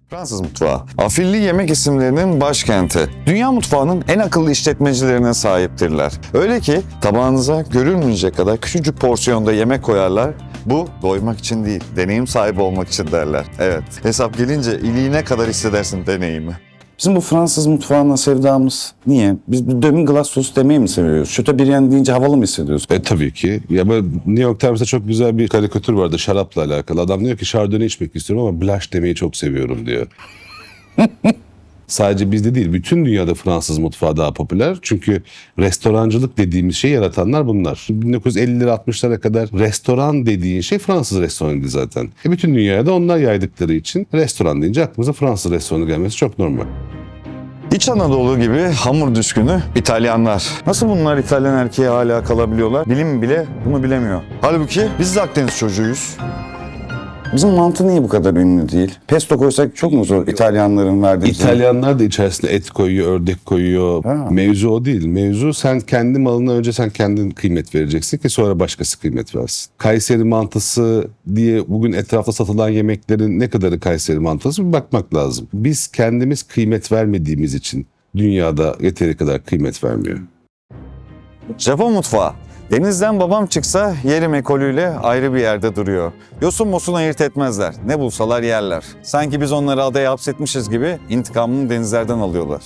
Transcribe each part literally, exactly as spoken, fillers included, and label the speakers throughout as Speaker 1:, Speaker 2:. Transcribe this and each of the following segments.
Speaker 1: Fransız mutfağı, afilli yemek isimlerinin başkenti. Dünya mutfağının en akıllı işletmecilerine sahiptirler. Öyle ki tabağınıza görülmeyecek kadar küçücük porsiyonda yemek koyarlar. Bu doymak için değil, deneyim sahibi olmak için derler. Evet, hesap gelince iliğine kadar hissedersin deneyimi.
Speaker 2: Bizim bu Fransız mutfağına sevdamız niye? Biz bu demi glace sos demeyi mi seviyoruz? Chateaubriand deyince havalı mı hissediyoruz?
Speaker 3: E tabii ki. Ya böyle New York Times'ta çok güzel bir karikatür vardı şarapla alakalı. Adam diyor ki Chardonnay içmek istiyorum ama Blanche demeyi çok seviyorum diyor. Sadece bizde değil, bütün dünyada Fransız mutfağı daha popüler. Çünkü restorancılık dediğimiz şeyi yaratanlar bunlar. bin dokuz yüz elliler altmışlara kadar restoran dediğin şey Fransız restoranıydı zaten. E bütün dünyaya da onlar yaydıkları için restoran deyince aklımıza Fransız restoranı gelmesi çok normal.
Speaker 1: İç Anadolu gibi hamur düşkünü İtalyanlar. Nasıl bunlar İtalyan erkeğe hala kalabiliyorlar? Bilim bile bunu bilemiyor. Halbuki biz de Akdeniz çocuğuyuz.
Speaker 2: Bizim mantı niye bu kadar ünlü değil? Pesto koysak çok mu zor İtalyanların verdiği?
Speaker 3: İtalyanlar da içerisine et koyuyor, ördek koyuyor.
Speaker 2: Ha.
Speaker 3: Mevzu o değil. Mevzu sen kendi malına önce sen kendin kıymet vereceksin ki sonra başkası kıymet versin. Kayseri mantısı diye bugün etrafta satılan yemeklerin ne kadarı Kayseri mantısı bir bakmak lazım. Biz kendimiz kıymet vermediğimiz için dünyada yeteri kadar kıymet vermiyor.
Speaker 1: Japon mutfağı. Denizden babam çıksa yerim ekolüyle ayrı bir yerde duruyor. Yosun mosun ayırt etmezler. Ne bulsalar yerler. Sanki biz onları adaya hapsetmişiz gibi intikamını denizlerden alıyorlar.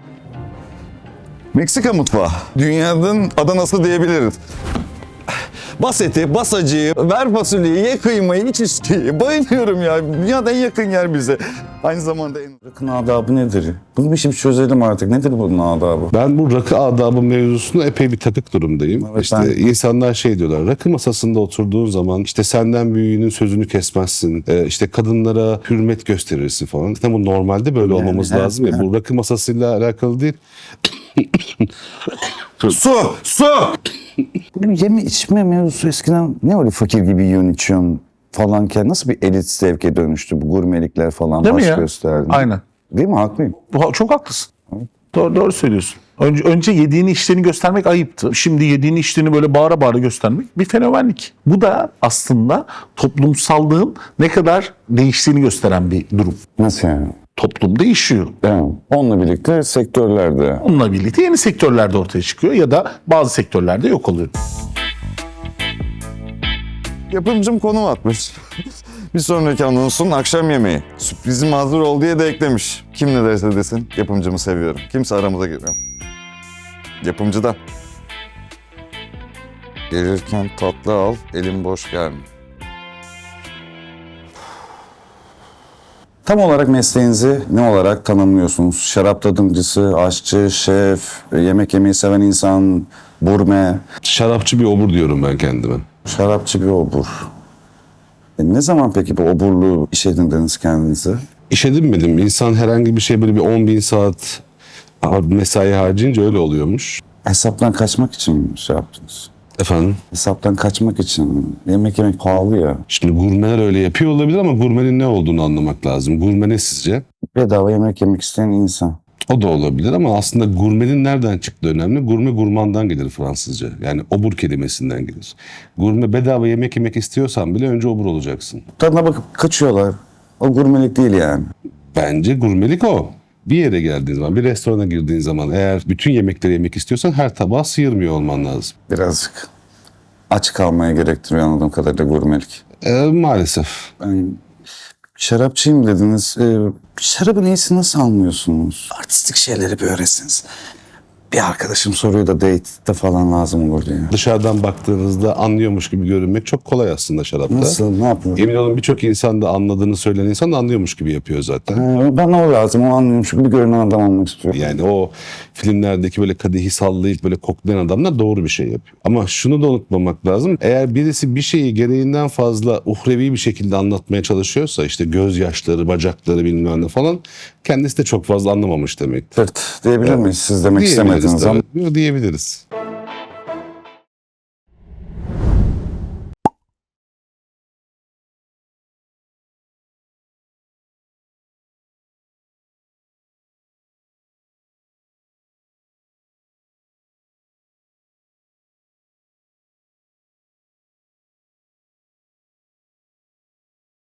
Speaker 1: Meksika mutfağı. Dünyanın Adana'sı diyebiliriz. Bas eti, bas acıyı, ver fasulyeyi, ye kıymayı, iç içkiyi. Bayılıyorum ya. Dünyada en yakın yer bize. Aynı zamanda en...
Speaker 2: Rakın adabı nedir? Bunu bir şey çözelim artık. Nedir bunun adabı?
Speaker 3: Ben bu rakı adabı mevzusunda epey bir takık durumdayım.
Speaker 2: Evet,
Speaker 3: işte
Speaker 2: ben-
Speaker 3: insanlar şey diyorlar, rakı masasında oturduğun zaman işte senden büyüğünün sözünü kesmezsin, e, işte kadınlara hürmet gösterirsin falan. İşte bu normalde böyle
Speaker 2: Yani,
Speaker 3: olmamız
Speaker 2: evet,
Speaker 3: lazım ya.
Speaker 2: evet.
Speaker 3: Bu rakı masasıyla alakalı değil.
Speaker 2: Su! Su! Benim yeme içme mevzusu eskiden ne öyle fakir gibi yiyorsun içiyorsun falanken nasıl bir elit zevke dönüştü bu gurmelikler falan
Speaker 4: Değil mi
Speaker 2: baş
Speaker 4: ya?
Speaker 2: gösterdi.
Speaker 4: Aynen.
Speaker 2: Değil mi? Haklıyım.
Speaker 4: Bu- Çok haklısın. Doğru, doğru söylüyorsun. Önce, önce yediğini içtiğini göstermek ayıptı. Şimdi yediğini içtiğini böyle bağıra bağıra göstermek bir fenomenlik. Bu da aslında toplumsallığın ne kadar değiştiğini gösteren bir durum.
Speaker 2: Nasıl yani?
Speaker 4: Toplum değişiyor.
Speaker 2: Evet. Onunla birlikte sektörlerde.
Speaker 4: Onunla birlikte yeni sektörler de ortaya çıkıyor ya da bazı sektörlerde yok oluyor.
Speaker 1: Yapımcım konum atmış. Bir sonraki anonsun akşam yemeği. Sürprizim hazır ol diye de eklemiş. Kim ne derse desin yapımcımı seviyorum. Kimse aramıza girmiyor. Yapımcıdan. Gelirken tatlı al, elim boş gelme.
Speaker 2: Tam olarak mesleğinizi ne olarak tanımlıyorsunuz? Şarap tadımcısı, aşçı, şef, yemek yemeyi seven insan, gurme,
Speaker 3: Şarapçı bir obur diyorum ben kendime.
Speaker 2: şarapçı bir obur. E ne zaman peki bu oburluğu iş edindiniz kendinize?
Speaker 3: İş edinmedim. İnsan herhangi bir şey böyle bir on bin saat mesai harcayınca öyle oluyormuş.
Speaker 2: Hesaptan kaçmak için mi şey yaptınız?
Speaker 3: Efendim?
Speaker 2: Hesaptan kaçmak için. Yemek yemek pahalı ya.
Speaker 3: Şimdi gurmeler öyle yapıyor olabilir ama gurmenin ne olduğunu anlamak lazım. Gurme ne sizce?
Speaker 2: Bedava yemek yemek isteyen insan.
Speaker 3: O da olabilir ama aslında gurmenin nereden çıktığı önemli. Gurme gurmandan gelir Fransızca. Yani obur kelimesinden gelir. Gurme bedava yemek yemek istiyorsan bile önce obur olacaksın.
Speaker 2: Tadına bakıp kaçıyorlar. O gurmelik değil yani.
Speaker 3: Bence gurmelik o. Bir yere geldiğin zaman, bir restorana girdiğin zaman eğer bütün yemekleri yemek istiyorsan her tabağı sıyırmıyor olman lazım.
Speaker 2: Birazcık aç kalmaya gerektiriyor anladığım kadarıyla gurmelik.
Speaker 3: Ee, maalesef.
Speaker 2: Ben şarapçıyım dediniz. Ee, şarabın iyisini nasıl anlıyorsunuz? Artistik şeyleri bir öğretsiniz. Bir arkadaşım soruyor da date'de falan lazım olur diye.
Speaker 3: Dışarıdan baktığınızda anlıyormuş gibi görünmek çok kolay aslında şarapta.
Speaker 2: Nasıl? Ne yapıyor?
Speaker 3: Emin olun birçok insan da anladığını söyleyen insan da anlıyormuş gibi yapıyor zaten.
Speaker 2: Ee, bana o lazım. O anlıyorum çünkü bir görünen adam olmak istiyorum.
Speaker 3: Yani o filmlerdeki böyle kadehi sallayıp böyle koklayan adamlar doğru bir şey yapıyor. Ama şunu da unutmamak lazım. Eğer birisi bir şeyi gereğinden fazla uhrevi bir şekilde anlatmaya çalışıyorsa işte gözyaşları, bacakları bilmem ne falan kendisi de çok fazla anlamamış demek.
Speaker 2: Tırt diyebilir miyiz? Siz demek istemediniz ama.
Speaker 3: Diyebiliriz.